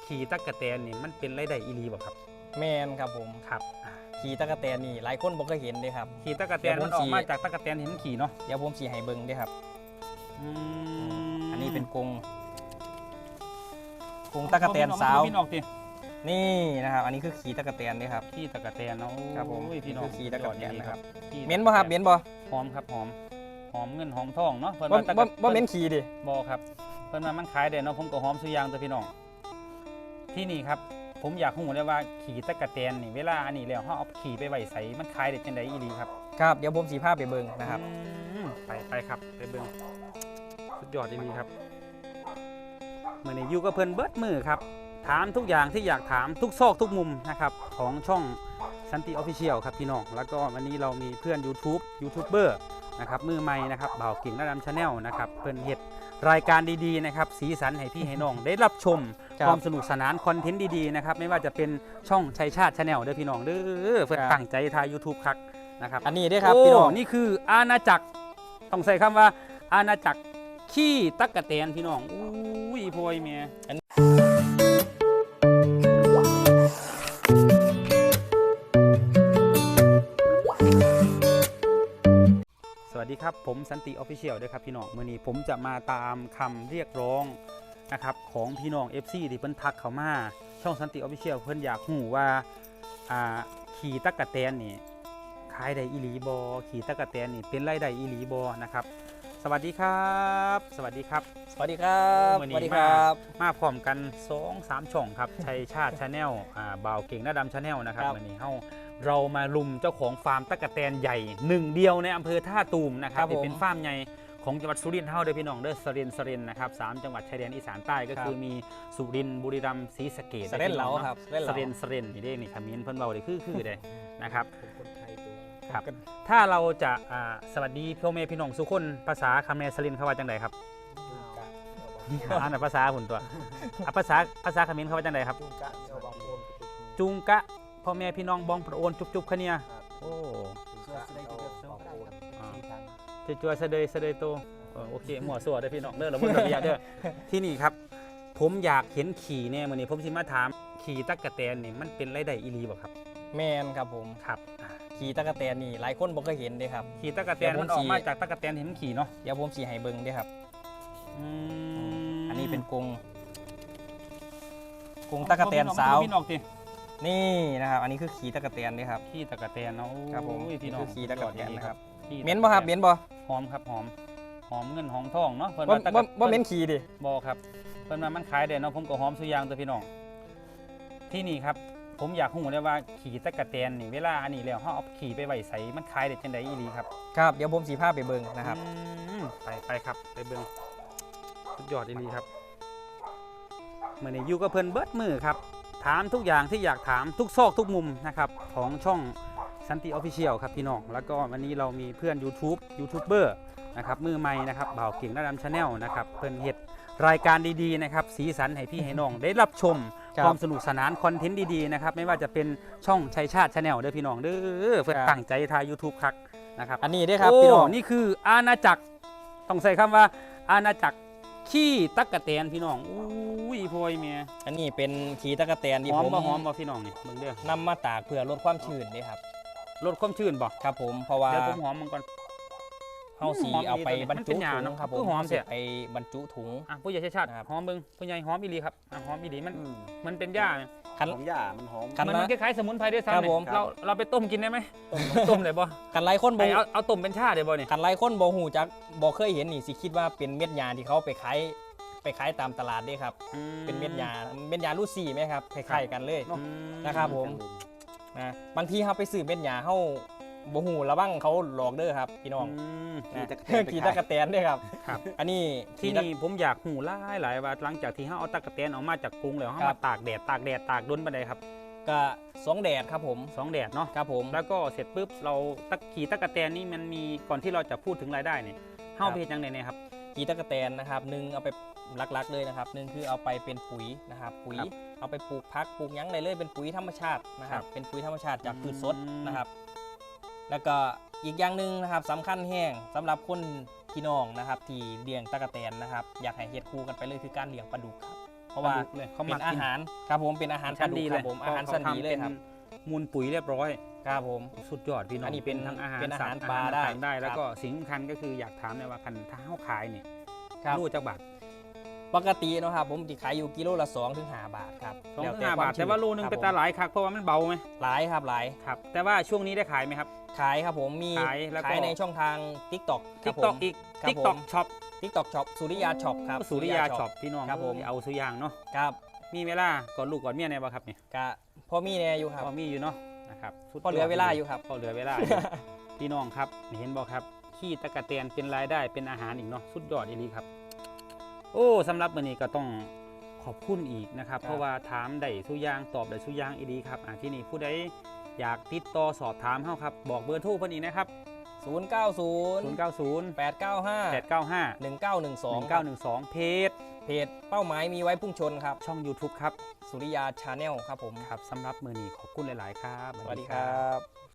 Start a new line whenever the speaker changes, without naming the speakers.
ขี่ตั๊กแตนนี่มันเป็นรายได้อีหลีบ่ครับ
แมนครับผม
ครับ
ขี่ตะกะแตนนี่หลายคนบ่เคยเห็นเลยครับ
ขี่ตั๊กแตนมันออกมาจากตั๊กแตนเห็นมันขี่เนาะ
เดี๋ยวผมสีให้เบิ่งด้วยครับอันนี้เป็นกรงตะกะแตนสาวนี่นะครับอันนี้คือขี่ตะกะแตนนี่ครับ
ขี่ตั๊กแตนเนาะ
ครับผม
พี่น้อง
ขี่ตะกะแตนนะครับเหม็นบ่ครับเหม็นบ่
หอมครับหอมเงินหอมทองเนาะเพิ่น
ว่าบ่เหม็นขี่ดิ
บ่ครับเพิ่นว่ามันขายได้เนาะผมก็หอมสุยางตัวพี่น้องที่นี่ครับผมอยากรู้เลยว่าขี่ตะกะแตนนี่เวลาอันนี้แล้วเฮาเอาขี่ไปไว้ใส่มันขายได้จังได๋อีหลีครับ
ครับเดี๋ยวผมสีภาพไปเบิ่งนะครับ
ไปครับไปเบิ่งสุดยอดอีหลีครับมื้อนี้อยู่กับเพิ่นเบิดมื้อครับถามทุกอย่างที่อยากถามทุกซอกทุกมุมนะครับของช่องสันติออฟฟิเชียลครับพี่น้องแล้วก็วันนี้เรามีเพื่อนยูทูบเบอร์นะครับมือใหม่นะครับบ่าวกิ่งระดำชาแนลนะครับเพิ่นเฮ็ดรายการดีๆนะครับสีสันให้พี่ให้น้องได้รับชมความสนุกสนานคอนเทนต์ดีๆนะครับไม่ว่าจะเป็นช่องชัยชาติชาแนลเด้อพี่น้องเด้อเพิ่นตั้งใจถ่าย YouTube ครับนะครับ
อันนี้ด้วยครับพี่น้อง
นี่คืออาณาจักรต้องใส่คำว่าอาณาจักรขี้ตั๊กแตนพี่น้องอุ้ยพอยเมียสวัสดีครับผมสันติออฟฟิเชียลด้วยครับพี่น้องมื้อนี้ผมจะมาตามคำเรียกร้องนะครับของพี่น้อง FC ที่เพิ่นทักเข้ามาช่องสันติออฟฟิเชียลเพิ่นอยากรู้ว่าขี่ตั๊กแตนนี่ขายได้อีหลีบอขี่ตะกะแตนนี่เป็นรายได้อีหลีบอนะครับสวัสดีครับสวัสดีครับ
สวัสดีครับสวัสดีครับ
มาพร้อมกัน 2-3 ช่องครับชัยชาติชาแนลบ่าวเก่งหน้าดำชาแนลนะครับวันนี้เรามาลุมเจ้าของฟาร์มตะกะแตนใหญ่หนึ่งเดียวในอำเภอท่าตูมนะครับที่เป็นฟาร์มใหญ่ของจังหวัดสุรินทร์เฮาเด้อพี่น้องเด้อสรินนะครับ3จังหวัดชายแดนอีสานใต้ก็คือมีสุรินทร์บุรีรัมย์ศรีสะเกษ
สรินเหลาครับ
สรินนี่เด้นี่คำนี้เพิ่นเบาเลยคือได้นะครับครับถ้าเราจะสวัสดีพ่อแม่พี่น้องสุขคนภาษาคำแนสรินเขาว่าจังไดครับภาษาหุ่นตัวภาษาคำนี้เขาว่าจังไดครับจุงกะพ่อแม่พี่น้องบองประโอนจุบคะเนียโอ้จัวเสดยโตโอเคหมวดสวดได้พี่น้องเด้อเราบนระเบียบเด้อที่นี่ครับผมอยากเห็นขี่เนี่ยมื้อนี้ผมสิมาถามขี่ตั๊กแตนนี่มันเป็นรายได้อีหลีบ่ครับ
แมนครับผม
ครับ
ขี่ตะกะแตนนี่หลายคนบ่เคยเห็นเลยครับ
ขี่ตะกะแตนมันออกมาจากตะกะแตนเห็นมันขี่เนาะ
เดี๋ยวผมสีให้เบิ่งด้วยครับอันนี้เป็นกรงตะกะแตนสาวนี่นะครับอันนี้คือขี่ตะกะแตนนี่ครับ
ขี่ตะกะแตนเนาะ
ครับผม
พี่น้อง
ขี่ตะกะแตนนะครับเหม็นบ่ครับเหม็นบ่
หอมครับหอมเงินหอมทองเนาะ
บ่เหม็นขี่ดิ
บ่ครับเพิ่นว่ามันขายได้เนาะผมก็หอมสุยางตัวพี่น้องที่นี่ครับผมอยากรู้เลยว่าขี่ตะกะแตนนี่เวลาอันนี้แล้วเฮาเอาขี่ไปไว้ใส่มันขายได้จังได๋อีหลีครับ
ครับเดี๋ยวผมสีภาพไปเบิ่งนะครับ
ไปครับไปเบิ่งสุดยอดอีหลีครับมื้อนี้อยู่กับเพิ่นเบิดมื้อครับถามทุกอย่างที่อยากถามทุกซอกทุกมุมนะครับของช่องสันติออฟฟิเชียลครับพี่น้องแล้วก็วันนี้เรามีเพื่อนยูทูบเบอร์นะครับมือใหม่นะครับบ่าวเก่งหน้าดำชาแนลนะครับเพิ่นเฮ็ดรายการดีๆนะครับสีสันให้พี่ให้น้องได้รับชมความสนุกสนานคอนเทนต์ดีๆนะครับไม่ว่าจะเป็นช่องชัยชาติชาแนลเด้อพี่น้องเด้อเพื่อตั้งใจถ่าย YouTube ครับนะครับ
อันนี้ด้วยครับพี่น้อง
นี่คืออาณาจักรต้องใส่คำว่าอาณาจักรขี้ตั๊กแตนพี่น้องอุ้ยพอยเมีย
อันนี้เป็นขี่ตะกะแตนที่ผม
หอมบ่พี่น้องนี่เบิ่งเด้อน
ำมาตากเพื่อลดความชื้นนี่ครับ
ลดความชื้นบ่
ครับผมเพราะว่า
เดี๋ยวผมหอมมันก่อน
เฮาสีเอาไปบรรจุถุงครับผม
หอมเสีย
ไปบรรจุถุง
ผู้ใหญ่ชาติหอมเบิ่งผู้ใหญ่หอมอีหลีครับหอมอีหลีมันเป็นหญ้า
หอมหญ้ามันหอม
มันคล้ายๆสมุนไพรด้วยซ้ำเนี่ยเราไปต้มกินได้ไหมต้มได้บ่
กันไล่คนบ่
เอาต้มเป็นชาได้บ่เนี่ย
กันไล่คนบ่หูจักบ่เคยเห็นนี่สิคิดว่าเป็นเม็ดหญ้าที่เขาไปขายตามตลาดด้วยครับเป็นเม็ดหญ้าลูซี่ไหมครับคล้ายๆกันเลยนะครับผมนะบางทีเขาไปซื้อเม็ดหญ้าเขาบ่หูระวังเขาหลอกเด้อครับพี่น้องขี่ตะกะแตนด้วยครับอันนี้
ที่นี่ผมอยากหูหลายว่าหลังจากที่เขาเอาตะกะแตนออกมาจากกรุงแล้วเขามาตากแดดตากดนไปได้ครับ
ก็2 แดดครับผม
2 แดดเนาะ
ครับผม
แล้วก็เสร็จปุ๊บเราขี่ตะกะแตนนี่มันมีก่อนที่เราจะพูดถึงรายได้เนี่ยเฮาไปเฮ็ดจังได๋เนี่ยครับ
ขี่ตะกะแตนนะครับ1เอาไปหลักๆเลยนะครับ1คือเอาไปเป็นปุ๋ยนะครับปุ๋ยเอาไปปลูกผักปลูกหยังได้เลยเป็นปุ๋ยธรรมชาตินะครับเป็นปุ๋ยธรรมชาติจากพืชสดนะครับแล้วก็อีกอย่างหนึ่งนะครับสำคัญแห้งสำหรับคนพี่น้องนะครับที่เลี้ยงตะกะแตนนะครับอยากให้เฮ็ดคู่กันไปเลยคือการเลี้ยงปลาดุกครับเพราะว่า
เลยเขา
เป็
มัก
นอา
กิน
หารครับผมเป็นอาหารปลา
ชั้น
ดุ
ดี
ก
เล
ครั
ย
บผมอาหารชั้นดีเลยครับ
มูลปุ๋ยเรียบร้อย
ครับผม
สุดยอดพี่น้อง
อันนี้เป็น
ทั้งอาหาร
เป็นอาหาร
สัตว์
ปลา
อาหาร
ได้
ต่างๆได้ แล้ว
ครับ
ก็สิ่งสำคัญก็คืออยากถามเลยว่าคันถ้าเฮาขายนี่
ครับ
รู้จักบาท
ปกติเนาะครับผมที่ขายอยู่กิโลละ2 ถึง 5 บาทครับ
สอง
แล้ว
ถึงห้าบาท
คม
แต่ว่าโลนึง
ครับ
เป็นตาหลายคักเพราะว่ามันเบาไหม
หลายครับหลาย
ครับแต่ว่าช่วงนี้ได้ขายไหมครับ
ขายครับผมมี
ขายแล้วก็
ขายในช่องทาง TikTok
ทิกตอกอีก
ครับ
ทิกตอก
ผม
ช็อป
TikTok Shop สุริยาช็อปครับ
สุริยาช็อปพี่น้อง
ครับผม
เอาสุอยางเนาะ
ครับ
มีเวลาก่อนลูกก่อนเมียในบ่ครับเนี่ย
กะพอมีแน่อยู่ครับ
พอมีอยู่เนาะนะครับสุดยด
พอเหลือเวลาอยู่ครับ
พอเหลือเวลาอยู่ พี่น้องครับเห็นบ่ครับขี้ตะกะแตนเป็นรายได้เป็นอาหารอีกเนาะสุดยอดอีหลีครับ โอ้สำหรับวันนี้ก็ต้องขอบคุณอีกนะครับ
ครับ
เพราะว่าถามได้สุอยางตอบได้สุอยางอีหลีครับที่นี่ผู้ใดอยากติดต่อสอบถามเฮาครับบอกเบอร์โทรเพิ่นอีกนะครับ
090
090
895
895
1912
1912เพจ
เพจเป้าหมายมีไว้พุ่งชนครับ
ช่อง YouTube ครับ
สุริยาชาแนลครับผม
ครับสำหรับมือนี้ขอบคุณหลาย ๆ ครับ
สวัสดีครับ